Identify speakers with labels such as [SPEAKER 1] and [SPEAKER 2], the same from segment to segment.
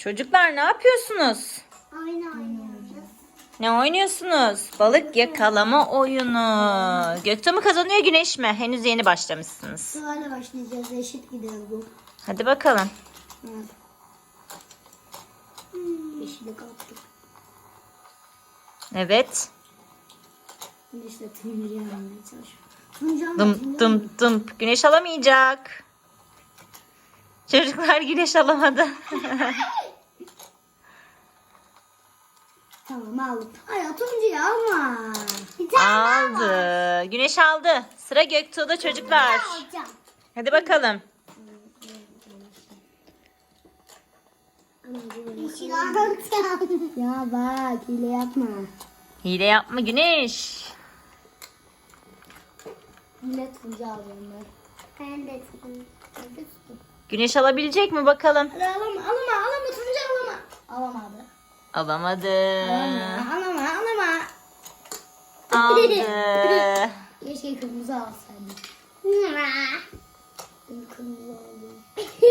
[SPEAKER 1] Çocuklar ne yapıyorsunuz?
[SPEAKER 2] Oyun oynuyoruz.
[SPEAKER 1] Ne oynuyorsunuz? Balık yakalama oyunu. Göktuğ mu kazanıyor, Güneş mi? Henüz yeni başlamışsınız.
[SPEAKER 2] Sırayla başlayacağız. Eşit gidiyor bu.
[SPEAKER 1] Hadi bakalım.
[SPEAKER 2] Evet. Yeşile kalktık.
[SPEAKER 1] Evet.
[SPEAKER 2] Şimdi işte turuncuya almaya çalışıyorum. Turuncu alma.
[SPEAKER 1] Dım dım dım. Güneş alamayacak. Çocuklar Güneş alamadı.
[SPEAKER 2] Tamam aldım. Ay turuncuyu alma. Bir
[SPEAKER 1] Aldı. Güneş aldı. Sıra Göktuğ'da çocuklar.
[SPEAKER 2] alacağım.
[SPEAKER 1] Hadi bakalım.
[SPEAKER 2] Yeşil alacağım. Ya bak hile yapma.
[SPEAKER 1] Hile yapma Güneş.
[SPEAKER 2] Hile turuncu alacağım ben. Ben de turuncu.
[SPEAKER 1] Güneş alabilecek mi bakalım?
[SPEAKER 2] Hadi alama turuncu alama. Alamadı.
[SPEAKER 1] Alamadı.
[SPEAKER 2] Alama.
[SPEAKER 1] Aldı.
[SPEAKER 2] Keşke kırmızı alsaydım. Kırmızı aldım.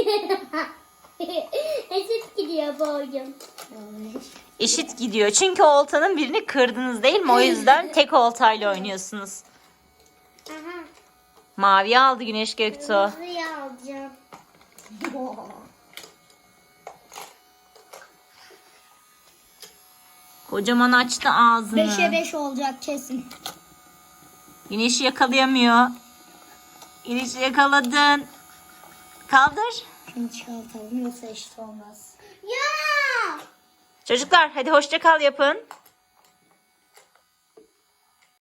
[SPEAKER 2] Eşit gidiyor bu oyun.
[SPEAKER 1] Eşit gidiyor. Çünkü oltanın birini kırdınız değil mi? O yüzden tek oltayla oynuyorsunuz.
[SPEAKER 2] Aha.
[SPEAKER 1] Mavi aldı Güneş Göktuğ.
[SPEAKER 2] Kırmızıyı alacağım.
[SPEAKER 1] Kocaman açtı ağzını.
[SPEAKER 2] 5'e 5 olacak kesin.
[SPEAKER 1] Güneşi yakalayamıyor. Güneşi yakaladın. Kaldır.
[SPEAKER 2] Şunu çıkartalım yoksa eşit olmaz. Ya!
[SPEAKER 1] Çocuklar hadi hoşça kal yapın.